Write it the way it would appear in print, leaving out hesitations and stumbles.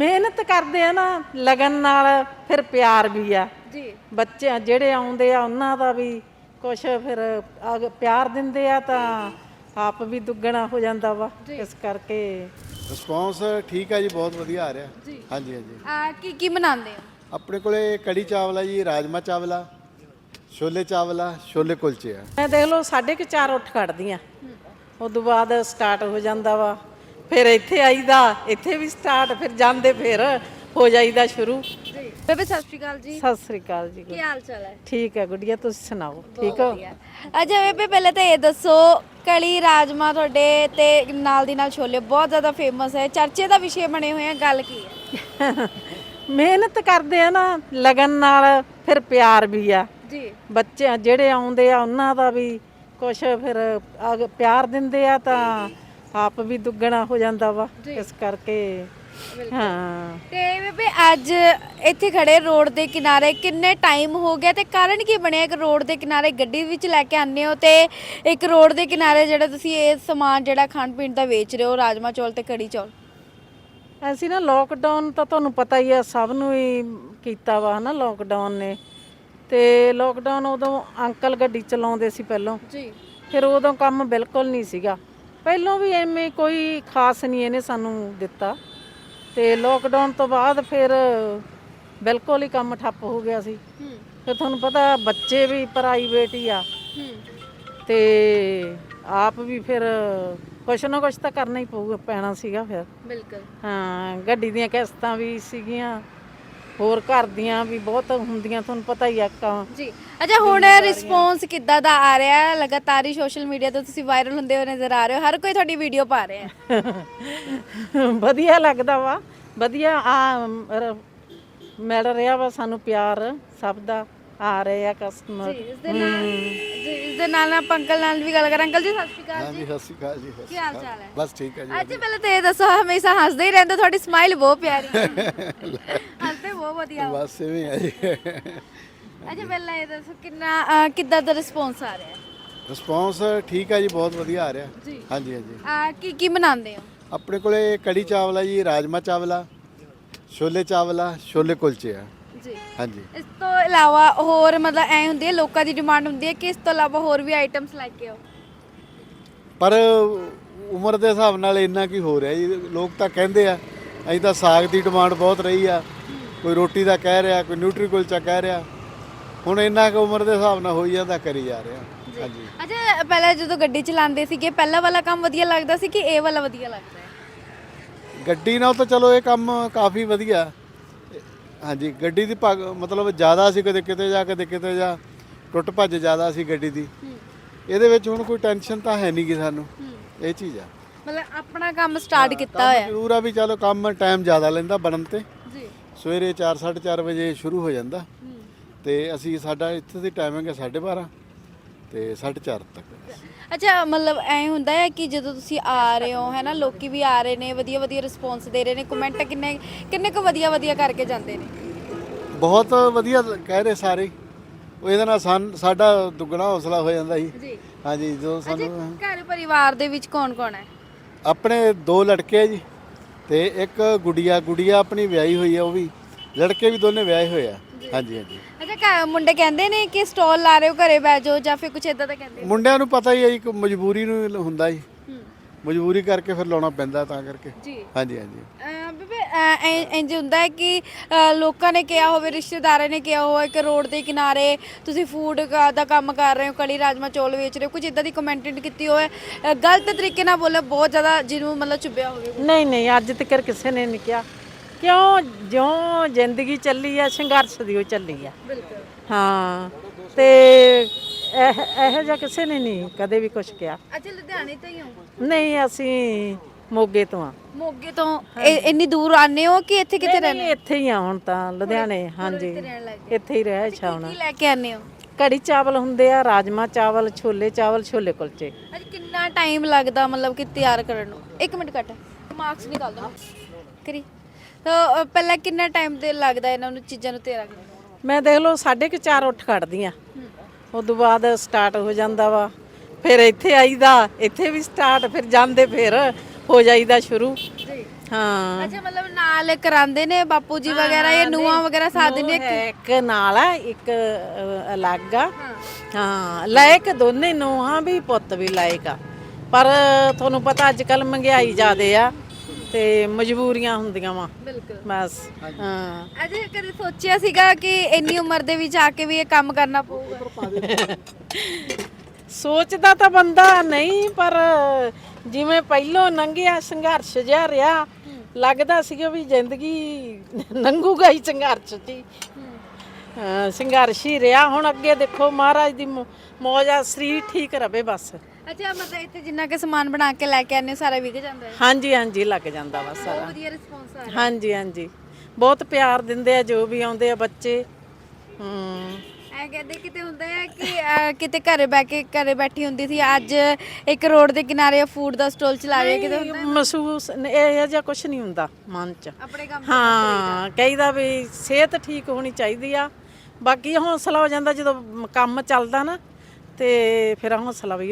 ਮਿਹਨਤ ਕਰਦੇ ਆ ਨਾ ਲਗਨ ਨਾਲ, ਫਿਰ ਪਿਆਰ ਵੀ ਆ ਜੀ। ਬੱਚੇ ਜਿਹੜੇ ਆਉਂਦੇ ਆ ਉਹਨਾਂ ਦਾ ਵੀ ਕੁਛ ਫਿਰ ਪਿਆਰ ਦਿੰਦੇ ਆ ਤਾਂ ਆਪ ਵੀ ਦੁੱਗਣਾ ਹੋ ਜਾਂਦਾ ਵਾ। ਇਸ ਕਰਕੇ ਰਿਸਪੌਂਸ ਠੀਕ ਹੈ ਜੀ, ਬਹੁਤ ਵਧੀਆ ਆ ਰਿਹਾ। ਜੀ। ਹਾਂਜੀ ਹਾਂਜੀ। ਕੀ ਬਣਾਉਂਦੇ ਹੋ? ਆਪਣੇ ਕੋਲੇ ਕੜੀ ਚਾਵਲ ਆ ਜੀ, ਰਾਜਮਾ ਚਾਵਲ ਆ, ਛੋਲੇ ਚਾਵਲ ਆ, ਛੋਲੇ ਕੁਲਚੇ ਆ। ਮੈਂ ਦੇਖ ਲਓ 4:30 ਉੱਠ ਖੜਦੀ ਆ, ਉਦੋਂ ਬਾਅਦ ਸਟਾਰਟ ਹੋ ਜਾਂਦਾ ਵਾ। ਫਿਰ ਇੱਥੇ ਆਈਦਾ, ਇੱਥੇ ਵੀ ਸਟਾਰਟ, ਫਿਰ ਜਾਂਦੇ ਫਿਰ ਹੋ ਜਾਈਦਾ ਸ਼ੁਰੂ। ਜੀ ਬੇਬੇ ਸਤਿ ਸ਼੍ਰੀ ਅਕਾਲ ਜੀ। ਸਤਿ ਸ੍ਰੀ ਅਕਾਲ ਜੀ। ਕੀ ਹਾਲ ਚਾਲ ਹੈ? ਠੀਕ ਹੈ ਗੁੱਡੀਆ, ਤੁਸੀਂ ਸੁਣਾਓ ਠੀਕ ਹੋ? ਅੱਛਾ ਬੇਬੇ ਪਹਿਲੇ ਤਾਂ ਇਹ ਦੱਸੋ, ਕੜੀ ਰਾਜਮਾ ਤੁਹਾਡੇ ਤੇ ਨਾਲ ਦੀ ਨਾਲ ਛੋਲੇ ਬਹੁਤ ਜ਼ਿਆਦਾ ਫੇਮਸ ਹੈ, ਚਰਚੇ ਦਾ ਵਿਸ਼ੇ ਬਣੇ ਹੋਏ ਆ, ਗੱਲ ਕੀ ਹੈ? ਮਿਹਨਤ ਕਰਦੇ ਆ ਨਾ ਲਗਨ ਨਾਲ, ਫਿਰ ਪਿਆਰ ਵੀ ਆ ਜੀ। ਬੱਚੇ ਜਿਹੜੇ ਆਉਂਦੇ ਆ ਉਹਨਾਂ ਦਾ ਵੀ ਕੁਛ ਫਿਰ ਪਿਆਰ ਦਿੰਦੇ ਆ ਤਾਂ ਆਪ ਵੀ ਦੁੱਗਣਾ ਹੋ ਜਾਂਦਾ ਵਾ। ਇਸ ਕਰਕੇ ਹਾਂ। ਤੇ ਬੇਬੇ ਅੱਜ ਇੱਥੇ ਖੜੇ ਰੋਡ ਦੇ ਕਿਨਾਰੇ ਕਿੰਨੇ ਟਾਈਮ ਹੋ ਗਿਆ ਤੇ ਕਾਰਨ ਕੀ ਬਣਿਆ? ਇੱਕ ਰੋਡ ਦੇ ਕਿਨਾਰੇ ਗੱਡੀ ਵਿੱਚ ਲੈ ਕੇ ਆਉਂਦੇ ਹੋ ਤੇ ਇੱਕ ਰੋਡ ਦੇ ਕਿਨਾਰੇ ਜਿਹੜਾ ਤੁਸੀਂ ਇਹ ਸਮਾਨ ਜਿਹੜਾ ਖਾਣ ਪੀਣ ਦਾ ਵੇਚ ਰਹੇ ਹੋ, ਰਾਜਮਾ ਚੌਲ ਤੇ ਕੜੀ ਚੌਲ। ਅਸੀਂ ਨਾ ਲੋਕਡਾਊਨ ਤਾਂ ਤੁਹਾਨੂੰ ਪਤਾ ਹੀ ਆ, ਸਭ ਨੂੰ ਹੀ ਕੀਤਾ ਵਾ ਹਨਾ ਲੋਕਡਾਊਨ ਨੇ। ਤੇ ਲੋਕਡਾਊਨ ਉਦੋਂ ਅੰਕਲ ਗੱਡੀ ਚਲਾਉਂਦੇ ਸੀ ਪਹਿਲਾਂ ਜੀ। ਫਿਰ ਉਦੋਂ ਕੰਮ ਬਿਲਕੁਲ ਨਹੀਂ ਸੀਗਾ, ਪਹਿਲਾਂ ਵੀ ਐਵੇਂ ਕੋਈ ਖਾਸ ਨਹੀਂ ਇਹਨੇ ਸਾਨੂੰ ਦਿੱਤਾ। ਤੇ ਲੋਕਡਾਊਨ ਤੋਂ ਬਾਅਦ ਫਿਰ ਬਿਲਕੁਲ ਹੀ ਕੰਮ ਠੱਪ ਹੋ ਗਿਆ ਸੀ। ਫਿਰ ਤੁਹਾਨੂੰ ਪਤਾ ਬੱਚੇ ਵੀ ਪ੍ਰਾਈਵੇਟ ਹੀ ਆ ਤੇ ਆਪ ਵੀ ਫਿਰ ਕੁਛ ਨਾ ਕੁਛ ਤਾਂ ਕਰਨਾ ਹੀ ਪੈਣਾ ਸੀਗਾ ਫਿਰ। ਬਿਲਕੁਲ। ਹਾਂ, ਗੱਡੀ ਦੀਆਂ ਕਿਸ਼ਤਾਂ ਵੀ ਸੀਗੀਆਂ, ਹੋਰ ਘਰ ਦੀਆਂ ਵੀ ਬਹੁਤ ਹੁੰਦੀਆਂ, ਤੁਹਾਨੂੰ ਪਤਾ ਹੀ ਆ ਜੀ। ਅੱਛਾ ਹੁਣ ਰਿਸਪੌਂਸ ਕਿੱਦਾਂ ਦਾ ਆ ਰਿਹਾ ਹੈ? ਲਗਾਤਾਰ ਹੀ ਸੋਸ਼ਲ ਮੀਡੀਆ ਤੇ ਤੁਸੀਂ ਵਾਇਰਲ ਹੁੰਦੇ ਹੋ ਨਜ਼ਰ ਆ ਰਹੇ ਹੋ, ਹਰ ਕੋਈ ਤੁਹਾਡੀ ਵੀਡੀਓ ਪਾ ਰਿਹਾ ਹੈ। ਵਧੀਆ ਲੱਗਦਾ ਵਾ, ਵਧੀਆ ਮਿਲ ਰਿਹਾ ਵਾ ਸਾਨੂੰ ਪਿਆਰ ਸਭ ਦਾ, ਆ ਰਹੇ ਆ ਕਸਟਮਰ। ਇਸ ਦੇ ਨਾਲ ਆਪਾਂ ਅੰਕਲ ਨਾਲ ਵੀ ਗੱਲ ਕਰਾਂ। ਅੰਕਲ ਜੀ ਸਤਿ ਸ਼੍ਰੀ ਅਕਾਲ ਹਾਂਜੀ, ਸਤਿ ਸ਼੍ਰੀ ਅਕਾਲ ਜੀ। ਕੀ ਹਾਲ ਚਾਲ ਹੈ? ਬਸ ਠੀਕ ਹੈ ਜੀ। ਅੱਜ ਪਹਿਲਾਂ ਤਾਂ ਇਹ ਦੱਸੋ, ਹਮੇਸ਼ਾ ਹੱਸਦੇ ਹੀ ਰਹਿੰਦੇ, ਤੁਹਾਡੀ ਸਮਾਈਲ ਬਹੁਤ ਪਿਆਰੀ ਹੈ। ਹੱਸਦੇ ਬਹੁਤ ਵਧੀਆ ਹੋ। ਬਸ ਇਵੇਂ ਆ ਜੀ। ਅੱਛਾ ਪਹਿਲਾਂ ਇਹ ਦੱਸੋ ਕਿੱਦਾਂ ਦਾ ਰਿਸਪੌਂਸ ਆ ਰਿਹਾ ਹੈ? ਰਿਸਪੌਂਸ ਠੀਕ ਹੈ ਜੀ, ਬਹੁਤ ਵਧੀਆ ਆ ਰਿਹਾ। ਜੀ। ਹਾਂਜੀ ਹਾਂਜੀ। ਕੀ ਬਣਾਉਂਦੇ ਹੋ? ਆਪਣੇ ਕੋਲੇ ਕੜੀ ਚਾਵਲ ਆ ਜੀ, ਰਾਜਮਾ ਚਾਵਲ ਆ, ਛੋਲੇ ਚਾਵਲ ਆ, ਛੋਲੇ ਕੁਲਚੇ ਆ। ਜੀ। ਹਾਂਜੀ। ਇਸ ਤੋਂ ਇਲਾਵਾ ਹੋਰ ਮਤਲਬ ਐ ਹੁੰਦੀ ਹੈ, ਲੋਕਾਂ ਦੀ ਡਿਮਾਂਡ ਹੁੰਦੀ ਹੈ ਕਿ ਇਸ ਤੋਂ ਇਲਾਵਾ ਹੋਰ ਵੀ ਆਈਟਮਸ ਲੈ ਕੇ ਆਓ। ਪਰ ਉਮਰ ਦੇ ਹਿਸਾਬ ਨਾਲ ਇੰਨਾ ਕੀ ਹੋ ਰਿਹਾ ਜੀ, ਲੋਕ ਤਾਂ ਕਹਿੰਦੇ ਆ, ਅਸੀਂ ਤਾਂ ਸਾਗ ਦੀ ਡਿਮਾਂਡ ਬਹੁਤ ਰਹੀ ਆ, ਕੋਈ ਰੋਟੀ ਦਾ ਕਹਿ ਰਿਹਾ, ਕੋਈ ਨਿਊਟਰੀ ਕੁਲਚਾ ਕਹਿ ਰਿਹਾ। ਹੁਣ ਇੰਨਾ ਕੁ ਉਮਰ ਦੇ ਹਿਸਾਬ ਨਾਲ ਹੋਈ ਜਾਂਦਾ, ਕਰੀ ਜਾ ਰਿਹਾ। ਹਾਂਜੀ। ਅੱਛਾ ਪਹਿਲਾਂ ਜਦੋਂ ਗੱਡੀ ਚਲਾਉਂਦੇ ਸੀਗੇ, ਪਹਿਲਾਂ ਵਾਲਾ ਕੰਮ ਵਧੀਆ ਲੱਗਦਾ ਸੀ ਕਿ ਇਹ ਵਾਲਾ ਵਧੀਆ ਲੱਗਦਾ ਹੈ? ਗੱਡੀ ਨਾਲ ਤਾਂ ਚਲੋ ਇਹ ਕੰਮ ਕਾਫੀ ਵਧੀਆ। ਹਾਂਜੀ, ਗੱਡੀ ਦੀ ਮਤਲਬ ਜ਼ਿਆਦਾ ਸੀ, ਕਦੇ ਕਿਤੇ ਜਾ ਕਦੇ ਕਿਤੇ ਜਾ, ਟੁੱਟ ਭੱਜ ਜ਼ਿਆਦਾ ਸੀ ਗੱਡੀ ਦੀ। ਇਹਦੇ ਵਿੱਚ ਹੁਣ ਕੋਈ ਟੈਨਸ਼ਨ ਤਾਂ ਹੈ ਨਹੀਂ ਗੀ ਸਾਨੂੰ, ਇਹ ਚੀਜ਼ ਆ। ਮਤਲਬ ਆਪਣਾ ਕੰਮ ਸਟਾਰਟ ਕੀਤਾ ਹੋਇਆ। ਜ਼ਰੂਰ ਆ ਵੀ ਚਲੋ ਕੰਮ ਟਾਈਮ ਜ਼ਿਆਦਾ ਲੈਂਦਾ ਬਣਨ ਤੇ। ਜੀ। ਸਵੇਰੇ 4 4:30 ਵਜੇ ਸ਼ੁਰੂ ਹੋ ਜਾਂਦਾ ਤੇ ਅਸੀਂ ਸਾਡਾ ਇੱਥੇ ਦੀ ਟਾਈਮਿੰਗ ਹੈ 12:30 ਤੇ 4:30 ਤੱਕ। ਅੱਛਾ ਮਤਲਬ ਐ ਹੁੰਦਾ ਹੈ ਕਿ ਜਦੋਂ ਤੁਸੀਂ ਆ ਰਹੇ ਹੋ ਹੈ ਨਾ, ਲੋਕੀ ਵੀ ਆ ਰਹੇ ਨੇ, ਵਧੀਆ ਵਧੀਆ ਰਿਸਪੌਂਸ ਦੇ ਰਹੇ ਨੇ, ਕਮੈਂਟ ਕਿੰਨੇ ਕੁ ਵਧੀਆ ਕਰਕੇ ਜਾਂਦੇ ਨੇ? ਬਹੁਤ ਵਧੀਆ ਕਹਿ ਰਹੇ ਸਾਰੇ। ਉਹ ਇਹਦੇ ਨਾਲ ਸਾਡਾ ਦੁੱਗਣਾ ਹੌਸਲਾ ਹੋ ਜਾਂਦਾ ਜੀ। ਜੀ। ਹਾਂਜੀ, ਜਦੋਂ ਸਾਨੂੰ ਘਰ ਪਰਿਵਾਰ ਦੇ ਵਿੱਚ ਕੌਣ ਕੌਣ ਹੈ? ਆਪਣੇ 2 ਲੜਕੇ ਆ ਜੀ ਤੇ ਇੱਕ ਗੁੜੀਆ ਆਪਣੀ ਵਿਆਹੀ ਹੋਈ ਆ, ਉਹ ਵੀ ਲੜਕੇ ਵੀ ਦੋਨੇ ਵਿਆਹੇ ਹੋਏ ਆ। ਹਾਂਜੀ ਹਾਂਜੀ। ਅੱਛਾ ਮੁੰਡੇ ਕਹਿੰਦੇ ਨੇ ਕਿ ਸਟਾਲ ਲਾ ਰਹੇ ਹੋ, ਘਰੇ ਬਹਿ ਜਾਓ, ਜਾਂ ਫਿਰ ਕੁਝ ਇਦਾਂ ਦਾ ਕਹਿੰਦੇ? ਮੁੰਡਿਆਂ ਨੂੰ ਪਤਾ ਹੀ ਹੈ ਜੀ, ਮਜਬੂਰੀ ਨੂੰ ਹੁੰਦਾ ਜੀ, ਮਜਬੂਰੀ ਕਰਕੇ ਫਿਰ ਲਾਉਣਾ ਪੈਂਦਾ, ਤਾਂ ਕਰਕੇ। ਜੀ। ਹਾਂਜੀ ਹਾਂਜੀ। ਬੇਬੇ ਇੰਜ ਹੁੰਦਾ ਹੈ ਕਿ ਲੋਕਾਂ ਨੇ ਕਿਹਾ ਹੋਵੇ, ਰਿਸ਼ਤੇਦਾਰਾਂ ਨੇ ਕਿਹਾ ਹੋਵੇ ਕਿ ਰੋਡ ਦੇ ਕਿਨਾਰੇ ਤੁਸੀਂ ਫੂਡ ਦਾ ਕੰਮ ਕਰ ਰਹੇ ਹੋ, ਕੜੀ ਰਾਜਮਾ ਚੌਲ ਵੇਚ ਰਹੇ ਹੋ, ਕੁਝ ਇਦਾਂ ਦੀ ਕਮੈਂਟਡ ਕੀਤੀ ਹੋਵੇ, ਗਲਤ ਤਰੀਕੇ ਨਾਲ ਬੋਲੇ, ਬਹੁਤ ਜ਼ਿਆਦਾ ਜਿਹਨੂੰ ਮਤਲਬ ਚੁੱਭਿਆ ਹੋਵੇ? ਨਹੀਂ ਅੱਜ ਤੱਕ ਕਿਸੇ ਨੇ ਨਹੀਂ ਕਿਹਾ, ਕਿਉਂ ਜਿਉਂ ਜ਼ਿੰਦਗੀ ਚੱਲੀ ਆ, ਸੰਘਰਸ਼ ਦੀ ਉਹ ਚੱਲੀ ਆ। ਬਿਲਕੁਲ। ਹਾਂ ਤੇ ਇਹੋ ਜਿਹਾ ਕਿਸੇ ਨੇ ਨਹੀਂ ਕਦੇ ਵੀ ਕੁਝ ਕਿਹਾ। ਅੱਛਾ ਲੁਧਿਆਣੇ ਤੋਂ ਹੀ ਹੋ? ਨਹੀਂ, ਅਸੀਂ ਮੋਗੇ ਤੋਂ ਆ। ਮੋਗੇ ਤੋਂ ਇੰਨੀ ਦੂਰ ਆਨੇ ਹੋ ਕਿ ਇੱਥੇ ਕਿਤੇ ਰਹਿੰਦੇ? ਇੱਥੇ ਹੀ ਆ ਹੁਣ ਤਾਂ, ਲੁਧਿਆਣੇ। ਹਾਂਜੀ, ਇੱਥੇ ਹੀ ਰਹਿ ਛਾਉਣਾ। ਕੀ ਲੈ ਕੇ ਆਨੇ ਹੋ? ਕੜੀ ਚਾਵਲ ਹੁੰਦੇ ਆ, ਰਾਜਮਾ ਚਾਵਲ, ਛੋਲੇ ਚਾਵਲ, ਛੋਲੇ ਕੁਲਚੇ। ਅੱਜ ਕਿੰਨਾ ਟਾਈਮ ਲੱਗਦਾ ਮਤਲਬ ਕਿ ਤਿਆਰ ਕਰਨ ਨੂੰ? 1 ਮਿੰਟ ਕੱਟ, ਮਾਰਕਸ ਨਿਕਾਲ ਦੋ ਕਰੀ। ਤਾਂ ਪਹਿਲਾਂ ਕਿੰਨਾ ਟਾਈਮ ਤੇ ਲੱਗਦਾ ਇਹਨਾਂ ਨੂੰ ਚੀਜ਼ਾਂ ਨੂੰ ਤਿਆਰ ਕਰਨ ਨੂੰ? ਮੈਂ ਦੇਖ ਲਓ 4:30 ਉੱਠ ਖੜਦੀ ਆ, ਉਦੋਂ ਬਾਅਦ ਸਟਾਰਟ ਹੋ ਜਾਂਦਾ ਵਾ। ਫਿਰ ਇੱਥੇ ਆਈਦਾ, ਇੱਥੇ ਵੀ ਸਟਾਰਟ, ਫਿਰ ਜਾਂਦੇ ਫਿਰ ਹੋ ਜਾਈਦਾ ਸ਼ੁਰੂ। ਹਾਂ ਅੱਛਾ ਮਤਲਬ ਨਾਲ ਕਰਾਉਂਦੇ ਨੇ ਬਾਪੂ ਜੀ ਵਗੈਰਾ ਜਾਂ ਨੂੰਹਾਂ ਵਗੈਰਾ ਸਾਥ ਦਿੰਦੇ ਨੂੰਹ ਹੈ ਇੱਕ ਨਾਲ ਆ ਇੱਕ ਅਲੱਗ ਆ ਹਾਂ ਲਾਇਕ ਦੋਨੇ ਨੂੰਹਾਂ ਵੀ ਪੁੱਤ ਵੀ ਲਾਇਕ ਆ ਪਰ ਤੁਹਾਨੂੰ ਪਤਾ ਅੱਜ ਕੱਲ ਮਹਿੰਗਾਈ ਜ਼ਿਆਦੇ ਆ ਤੇ ਮਜਬੂਰੀਆਂ ਹੁੰਦੀਆਂ ਵਾ ਬਿਲਕੁਲ ਬਸ ਹਾਂ ਅਜੇ ਕਦੇ ਸੋਚਿਆ ਸੀਗਾ ਕਿ ਇੰਨੀ ਉਮਰ ਦੇ ਵਿੱਚ ਆ ਕੇ ਵੀ ਇਹ ਕੰਮ ਕਰਨਾ ਪਊਗਾ? ਸੋਚਦਾ ਤਾਂ ਬੰਦਾ ਨਹੀਂ ਪਰ ਜਿਵੇਂ ਪਹਿਲੋਂ ਲੰਘਿਆ ਸੰਘਰਸ਼ ਜਿਹਾ ਰਿਹਾ ਲੱਗਦਾ ਸੀਗਾ ਵੀ ਜ਼ਿੰਦਗੀ ਲੰਘੂਗਾ ਹੀ ਸੰਘਰਸ਼ 'ਚ ਹੀ ਸੰਘਰਸ਼ ਹੀ ਰਿਹਾ ਹੁਣ ਅੱਗੇ ਦੇਖੋ ਮਹਾਰਾਜ ਦੀ ਮੌਜ ਆ ਸਰੀਰ ਠੀਕ ਰਵੇ ਬਸ ਅੱਛਾ ਮਤਲਬ ਇੱਥੇ ਜਿੰਨਾ ਕਿ ਸਮਾਨ ਬਣਾ ਕੇ ਲੈ ਕੇ ਆਨੇ ਸਾਰਾ ਵਿਕ ਜਾਂਦਾ ਹੈ? ਹਾਂਜੀ ਹਾਂਜੀ ਲੱਗ ਜਾਂਦਾ ਵਾ ਸਾਰਾ ਵਧੀਆ ਰਿਸਪੌਂਸ ਆ ਰਿਹਾ। ਹਾਂਜੀ ਹਾਂਜੀ ਬਹੁਤ ਪਿਆਰ ਦਿੰਦੇ ਆ ਜੋ ਵੀ ਆਉਂਦੇ ਆ ਬੱਚੇ ਐ ਕਹਿੰਦੇ ਕਿਤੇ ਹੁੰਦਾ ਹੈ ਕਿ ਕਿਤੇ ਘਰੇ ਬੈਠੀ ਹੁੰਦੀ ਸੀ ਅੱਜ ਇੱਕ ਰੋਡ ਦੇ ਕਿਨਾਰੇ ਫੂਡ ਦਾ ਸਟਾਲ ਚਲਾ ਰਹੀ ਹੈ ਕਿਤੇ ਹੁੰਦਾ ਮਹਿਸੂਸ ਇਹ ਜਿਹਾ ਕੁਝ ਨਹੀਂ ਹੁੰਦਾ ਮਨ 'ਚ ਆਪਣੇ ਕੰਮ ਹਾਂ ਕਹੀਦਾ ਵੀ ਸਿਹਤ ਠੀਕ ਹੋਣੀ ਚਾਹੀਦੀ ਆ ਬਾਕੀ ਹੌਸਲਾ ਹੋ ਜਾਂਦਾ ਜਦੋਂ ਕੰਮ ਚੱਲਦਾ ਨਾ ਤੇ ਫਿਰ ਹੌਸਲਾ ਵੀ